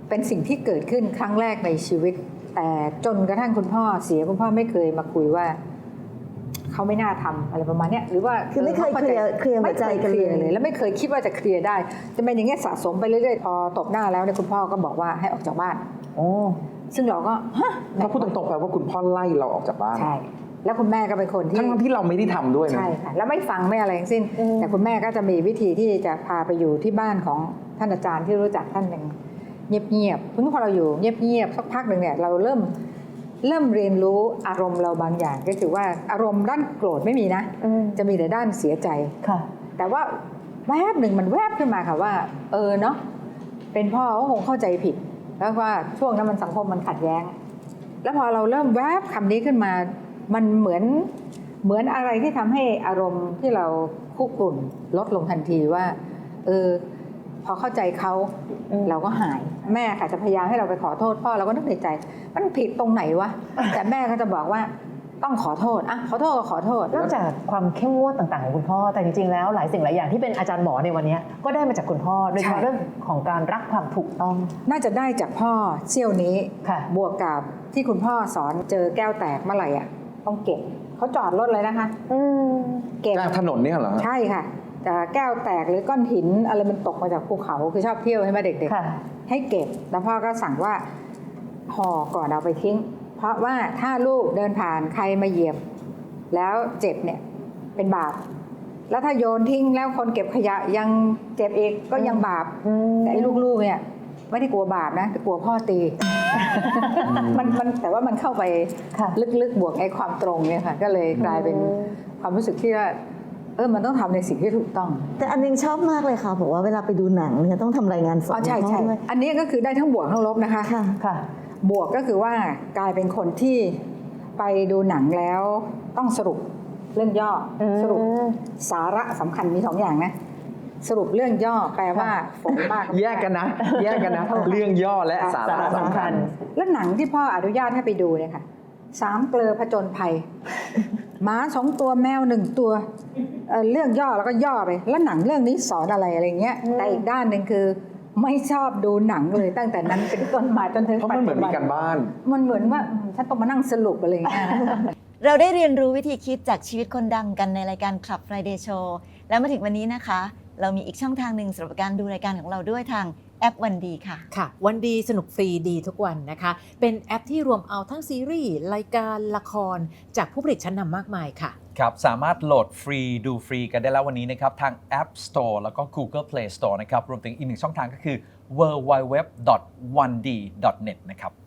เป็นสิ่งที่เกิดขึ้นครั้งแรกในชีวิตแต่จนกระทั่งคุณพ่อเสียคุณพ่อไม่เคยมาคุยว่าเขาไม่น่าทำอะไรประมาณนี้หรือว่าคือไม่เคยเคลียร์หัวใจกันเลยแล้วไม่เคยคิดว่าจะเคลียร์ได้จะเป็นอย่างเงี้ยสะสมไปเรื่อยๆพอตบหน้าแล้วเนี่ยคุณพ่อก็บอกว่าให้ออกจากบ้านซึ่งเราก็ถ้าพูดตรงๆแปลว่าคุณพ่อไล่เราออกจากบ้านใช่แล้วคุณแม่ก็เป็นคนที่ทั้งที่เราไม่ได้ทำด้วยนะใช่ค่ะแล้วไม่ฟังไม่อะไรทั้งสิ้นแต่คุณแม่ก็จะมีวิธีที่จะพาไปอยู่ที่บ้านของท่านอาจารย์ที่รู้จักท่านหนึ่งเงียบๆเพิ่งพอเราอยู่เงียบๆสักพักหนึ่งเนี่ยเราเริ่มเรียนรู้อารมณ์เราบางอย่างก็คือว่าอารมณ์ด้านโกรธไม่มีนะจะมีแต่ด้านเสียใจแต่ว่าแวบหนึ่งมันแวบขึ้นมาค่ะว่าเนาะเป็นพ่อก็คงเข้าใจผิดแล้วว่าช่วงนั้นมันสังคมมันขัดแย้งแล้วพอเราเริ่มแวบคำนี้ขึ้นมามันเหมือนอะไรที่ทำให้อารมณ์ที่เราคุกรุ่นลดลงทันทีว่าพอเข้าใจเขาเราก็หายแม่ค่ะจะพยายามให้เราไปขอโทษพ่อเราก็นึกในใจมันผิดตรงไหนวะแต่แม่ก็จะบอกว่าต้องขอโทษขอโทษก็ขอโทษนอกจากความเข้มงวดต่างๆของคุณพ่อแต่จริงๆแล้วหลายสิ่งหลายอย่างที่เป็นอาจารย์หมอในวันนี้ก็ได้มาจากคุณพ่อโดยเฉพาะเรื่องของการรักความถูกต้องน่าจะได้จากพ่อเซี่ยวนี้บวกกับที่คุณพ่อสอนเจอแก้วแตกเมื่อไหร่ต้องเก็บเขาจอดรถเลยนะคะเก็บถนนเนี่ยเหรอใช่ค่ะแต่แก้วแตกหรือก้อนหินอะไรมันตกมาจากภูเขาคือชอบเที่ยวให้มาเด็กๆให้เก็บแล้วพ่อก็สั่งว่าห่อก่อนเอาไปทิ้งเพราะว่าถ้าลูกเดินผ่านใครมาเหยียบแล้วเจ็บเนี่ยเป็นบาปแล้วถ้าโยนทิ้งแล้วคนเก็บขยะยังเจ็บอีกก็ยังบาปแต่ไอ้ลูกๆเนี่ยไม่ได้กลัวบาปนะแต่กลัวพ่อตีมันแต่ว่ามันเข้าไปลึกๆบวกไอ้ความตรงเนี่ยค่ะก็เลยกลายเป็นความรู้สึกที่ว่ามันต้องทำในสิ่งที่ถูกต้องแต่อันนึงชอบมากเลยค่ะบอกว่าเวลาไปดูหนังเนี่ยต้องทำรายงานสดใช่ใช่อันนี้ก็คือได้ทั้งบวกทั้งลบนะคะค่ะบวกก็คือว่ากลายเป็นคนที่ไปดูหนังแล้วต้องสรุปเรื่องย่อสรุปสาระสำคัญมี2 อย่างนะสรุปเรื่องย่อแปลว่าฝนมากแยกกันนะเรื่องย่อและสาระสำคัญแล้วหนังที่พ่ออนุญาตให้ไปดูเนี่ยค่ะ3 เกลอผจญภัยหมา2 ตัวแมว1 ตัวเรื่องย่อแล้วก็ย่อไปแล้วหนังเรื่องนี้สอนอะไรเงี้ยแต่อีกด้านหนึ่งคือไม่ชอบดูหนังเลยตั้งแต่นั้นเป็นต้นมาจนถึงปัจจุบันเพราะมันเหมือนมีการบ้านมันเหมือนว่าฉันต้องมานั่งสรุปอะไรเงี้ยเราได้เรียนรู้วิธีคิดจากชีวิตคนดังกันในรายการ Club Friday Show แล้วมาถึงวันนี้นะคะเรามีอีกช่องทางหนึ่งสำหรับการดูรายการของเราด้วยทางแอปวันดีค่ะค่ะวันดีสนุกฟรีดีทุกวันนะคะเป็นแอปที่รวมเอาทั้งซีรีส์รายการละครจากผู้ผลิตชั้นนำมากมายค่ะครับสามารถโหลดฟรีดูฟรีกันได้แล้ววันนี้นะครับทาง App Store แล้วก็ Google Play Store นะครับรวมถึงอีก1ช่องทางก็คือ www.1d.net นะครับ